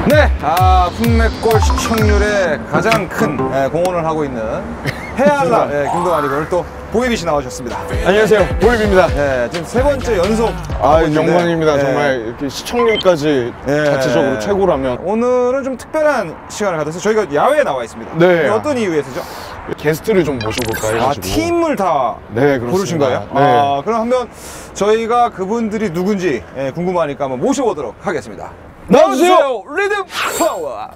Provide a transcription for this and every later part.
네, 국내골 시청률에 가장 큰 공헌을 하고 있는 해알라 김동환이 오늘 또 보이비 씨 나오셨습니다. 안녕하세요, 보이비입니다. 네, 지금 세 번째 연속. 영광입니다. 정말 이렇게 시청률까지 자체적으로 최고라면. 오늘은 좀 특별한 시간을 가져서 저희가 야외에 나와 있습니다. 네. 어떤 이유에서죠? 게스트를 좀 모셔볼까 해가지고. 팀을 다 부르신 거예요? 네. 그럼 한번 저희가 그분들이 누군지 궁금하니까 한번 모셔보도록 하겠습니다. 나와주세요! 리듬 파워!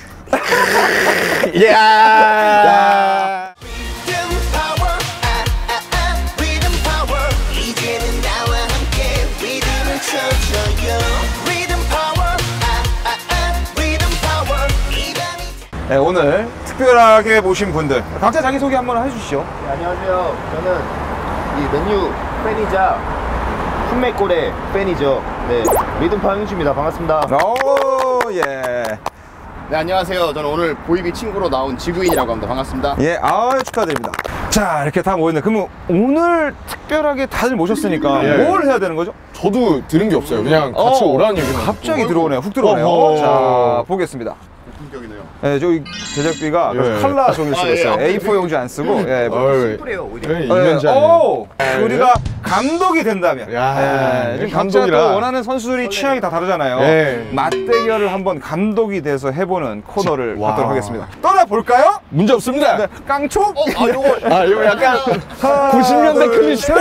야! 네, 오늘 특별하게 모신 분들 각자 자기소개 한번 해주시죠. 네, 안녕하세요. 저는 이 맨유 팬이자 풋맥골의 팬이죠. 네, 리듬파워 형주입니다. 반갑습니다. 오, 예. 네, 안녕하세요. 저는 오늘 보이비 친구로 나온 지구인이라고 합니다. 반갑습니다. 예, 축하드립니다. 자, 이렇게 다 모였네. 그러면 오늘 특별하게 다들 모셨으니까 뭘 해야 되는 거죠? 저도 들은 게 없어요. 그냥 같이 오라는 얘기만. 갑자기 들어오네요. 훅 들어오네요. 자, 보겠습니다. 본격이네요. 네, 저희 제작비가 칼라 종이를 쓰고 있어요. A4 용지 안 쓰고. 심플해요, 오히려. 이면지 우리가 감독이 된다면. 지금 각자 또 원하는 선수들이 취향이 다 다르잖아요. 맞대결을 한번 감독이 돼서 해보는 코너를 갖도록 하겠습니다. 떠나볼까요? 문제 없습니다. 네, 깡총? 이거 약간 90년대 클리셰.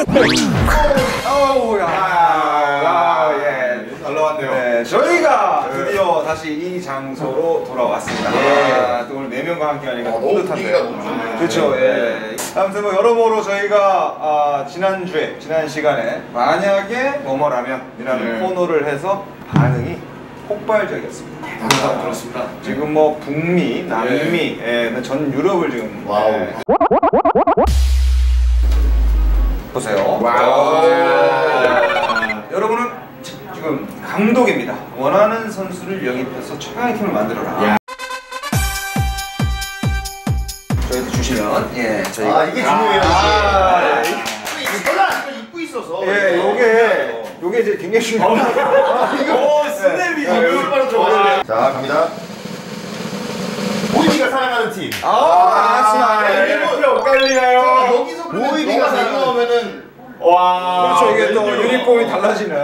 잘 나왔네요. 네, 저희가 드디어 다시 이 장소로 돌아왔습니다. 또 오늘 4명과 함께 하니까 뿌듯한데요. 그렇죠. 아무튼 뭐 여러모로 저희가 지난 시간에 만약에 뭐뭐라면이라는 코너를 해서 반응이 폭발적이었습니다. 그렇습니다. 지금 뭐 북미, 남미, 전 유럽을 지금 보세요. 여러분은 지금 감독입니다. 원하는 선수를 영입해서 최강의 팀을 만들어라. 저희한테 주시면 저희가 이게 중요해요. 이거 입고 있어서. 요게 이제 굉장히 중요합니다. 이거 스냅이죠. 바로 들어가요. 자, 갑니다. 보이비가 사랑하는 팀. 엇갈리나요? 여기서 보이비가 사랑하면은 그렇죠. 이게 또 유니폼이 달라지는.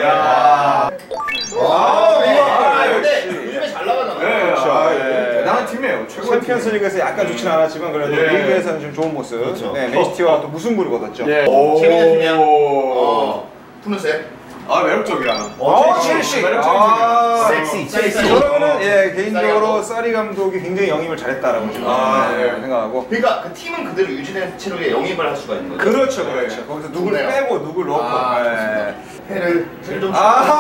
요즘에 잘 나가잖아요. 대단한 팀이에요. 챔피언스 리그에서 약간 좋진 않았지만 그래도 리그에서는 좀 좋은 모습. 맨시티와 또 무승부를 거뒀죠. 재밌는 팀이야. 푸른색. 매력적이야. 첼시. 섹시. 저는 개인적으로 사리 감독이 굉장히 영입을 잘했다라고 생각하고. 그러니까 그 팀은 그대로 유지된 채로 영입을 할 수가 있는 거죠. 그렇죠. 거기서 누굴 빼고 누굴 넣고. 패를 좀.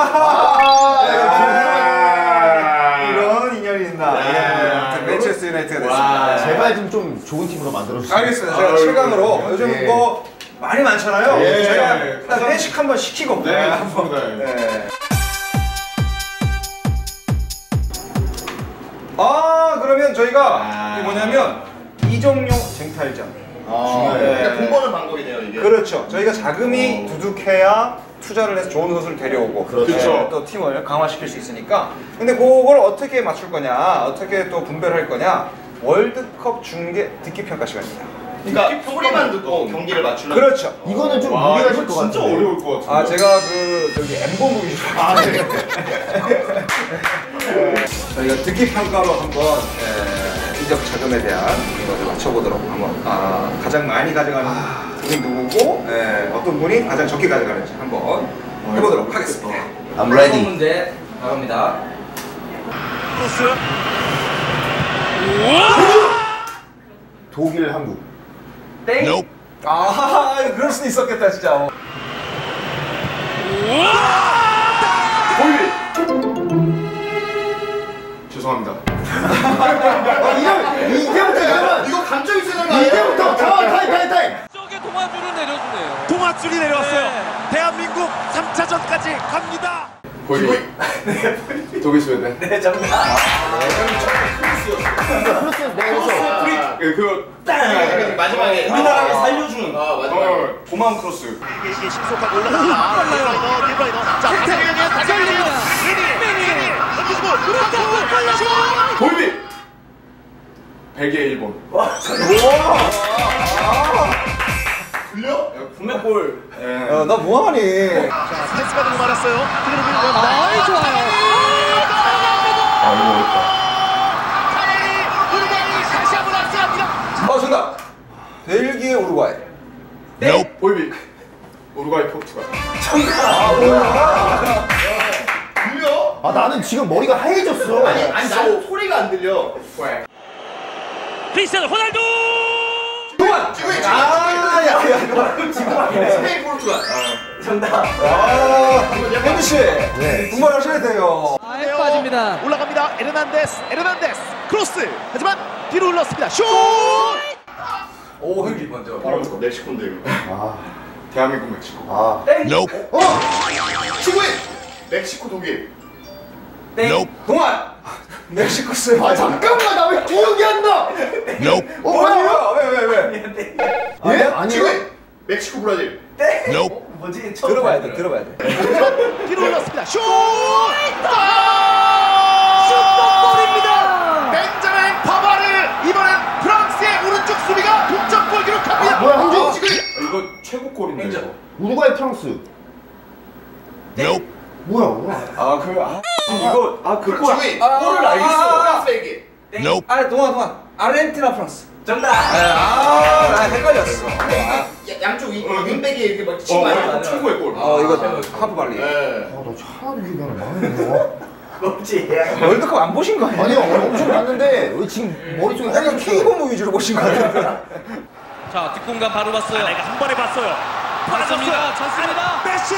이런 인연이 있나. 맨체스터 유나이티드가 됐습니다. 제발 좀 좋은 팀으로 만들어주세요. 알겠습니다. 제가 최강으로 요즘 뭐 많이 많잖아요. 제가 일단 회식 한번 시키고. 그러면 저희가 이게 뭐냐면 이종용 쟁탈전. 그러니까 돈 버는 방법이네요, 이게. 그렇죠. 저희가 자금이 두둑해야 투자를 해서 좋은 선수를 데려오고 또 팀을 강화시킬 수 있으니까. 근데 그걸 어떻게 맞출 거냐, 어떻게 또 분배를 할 거냐, 월드컵 중계 듣기 평가 시간입니다. 그러니까 소리만 듣고 경기를 맞추려면. 그렇죠. 이거는 좀 무리가 질 것 같아요. 진짜 어려울 것 같아요. 제가 저기 엠본 보기 저희가 듣기 평가로 한번 인적 자금에 대한 것을 맞춰보도록 한번 가장 많이 가져가는 분이 누구고 어떤 분이 가장 적게 가져가는지 한번 해보도록 하겠습니다. I'm ready. 문제 나갑니다. 독일, 한국. 땡! 그럴 수도 있었겠다 진짜. 죄송합니다. 이제부터 여러분 이거 감정 있어야 되는 거 아니에요? 이제부터 타임. 저게 동아줄을 내려주네요. 동아줄이 내려왔어요. 대한민국 3차전까지 갑니다. 보이비. 독일 스웨덴. 플러스 내에서 그거 마지막에 우리나라를 살려주는. 마지막에 고마운 크로스. 이게 신속하게 올라갑니다. 딜라이너. 자, 박태경의 달려갑니다. 던져주고 보이비. 벨기에 일본. 들려? 국내볼. 나 뭐하니? 패스가 너무 많았어요. 아이 좋아요. 이거 어렵다. 우루과이 다시 한번 앞서갑니다. 정답. 벨기에 우루과이. 보이비. 우루과이 포르투갈. 들려? 아 나는 지금 머리가 하얘졌어. 아니 나는 소리가 안 들려. 크리스티아노 호날두. 지금 스페인 포르투갈. 혜미 씨. 네. 분발하셔야 돼요. 아예 빠집니다. 올라갑니다. 에르난데스 크로스. 하지만 뒤로 흘렀습니다. 슛! 오, 혜미 먼저. 멕시코인데 이거. 아, 대한민국 멕시코. 아. 친구인 멕시코 독일. 동안. 멕시코 쌤. 아 잠깐만 나 왜 기억이 안 나? 뭐야? 왜? 예? 아니요. 친구인 멕시코 브라질. 들어봐야 돼. 뒤로 흘렀습니다. 슛! 슈퍼골입니다. 벤자민 파바르. 이번엔 프랑스의 오른쪽 수비가 동점골 기록합니다. 뭐야, 한국? 지금 이거 최고 골인데. 이거. 우루과이 프랑스. 뭐야? 그 골을 알겠어. 프랑스 벨기에. 동안. 아르헨티나 프랑스. 정답. 나 헷갈렸어. 양쪽 윙백이 이렇게 막 치고 많이 최고의 골. 이거 하프 발리. 아나 차라리 기억이 안 나네. 월드컵 안 보신 거 아니에요? 아니요 엄청 봤는데 왜 지금 머릿속에 약간 하얘졌어? K본부 위주로 보신 거 같아요. 자 뒷공간 바로 봤어요. 내가 한 번에 봤어요. 맞습니다. 찼습니다. 메시!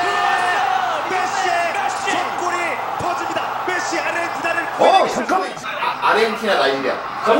속골이 터집니다. 메시 아르헨티나를 잠깐만. 아르헨티나 나이지리아.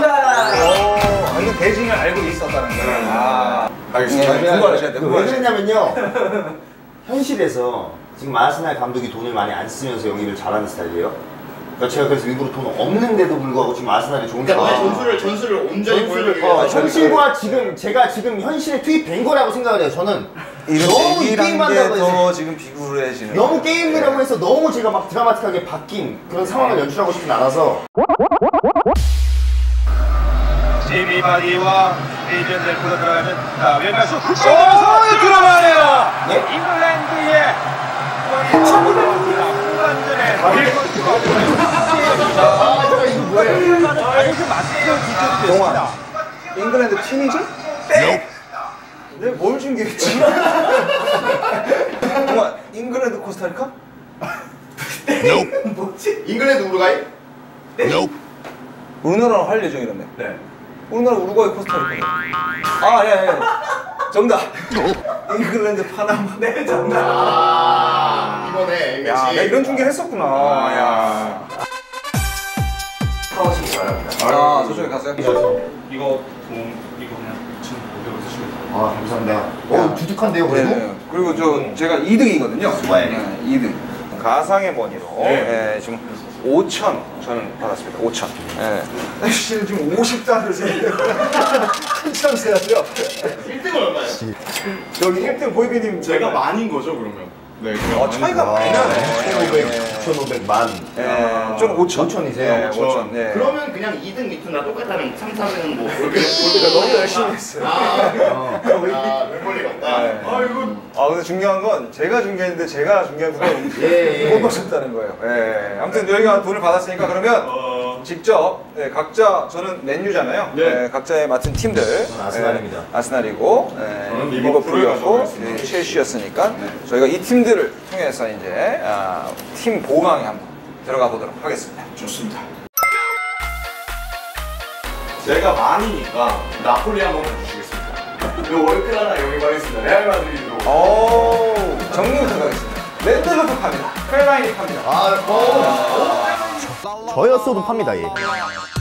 이거 대진을 알고 있었다는 거예요. 알겠습니다. 분발하셔야 돼요. 왜 그랬냐면요. 현실에서 지금 아스날 감독이 돈을 많이 안 쓰면서 영입을 잘하는 스타일이에요. 그러니까 제가 그래서 일부러 돈 없는데도 불구하고 지금 아스날이 좋은 그러니까 상황. 너의 전술을 온전히 보여주기 위해서. 현실과 제가 지금 현실에 투입된 거라고 생각을 해요. 저는 너무 이 게임한다고 해서 더 지금 비굴해지는. 너무 게임이라고 해서 너무 제가 막 드라마틱하게 바뀐 그런 상황을 연출하고 싶진 않아서. 제비바디와 에이전 델코가 들어가는 왼발 슛 훅 들어가네요. 잉글랜드의 후반전에 동안 잉글랜드 팀이지? 뭘 준비했지? 동안 잉글랜드 코스타리카? 잉글랜드 우루과이? 우리나라랑 할 예정이라며. 네. 우리나라 우루과이 코스타리카. 예. 정답. 잉글랜드 파나마. 네, 정답. 이번에 야, 내가 이런 중계를 했었구나. 야. 파워싱 바랍니다. 저쪽에 가세요. 이거 그냥 2,500원 쓰시면 돼요. 아 감사합니다. 두둑한데요 그래도? 네. 그리고 제가 2등이거든요. 네. 2등. 가상의 머니로 네. 지금 5,000 저는 받았습니다. 5,000. 씨는 지금 50달러를 세요. 한참 세야 돼요. 1등은 얼마예요? 여기 1등 보이비님 제가 만인 거죠 그러면? 네. 그냥 차이가 많이 나네. 1,500만. 좀 5,000. 5,000이세요? 5,000. 네. 그러면 그냥 2등 밑으로 똑같다는 3, 4등은 뭐 너무 열심히 했어요. 멤버리 같다. 근데 중요한 건 제가 중계했는데 제가 중계한 분은 못 보셨다는 거예요. 아무튼 저희가 돈을 받았으니까 그러면 직접 각자 저는 맨유잖아요. 네. 각자의 맡은 팀들. 저는 아스날입니다. 아스날이고 저는 리버풀이었고 리버풀을 첼시였으니까 저희가 이 팀들을 통해서 이제 팀 보강에 한번 들어가 보도록 하겠습니다. 좋습니다. 제가 만이니까 나폴리 한번 해주시겠습니다. 요 월클 하나 영입하겠습니다. 레알 마드리드로. 정리부터 가겠습니다. 랜드부터 팝니다. 클라인이 팝니다. 저였어도 팝니다 얘.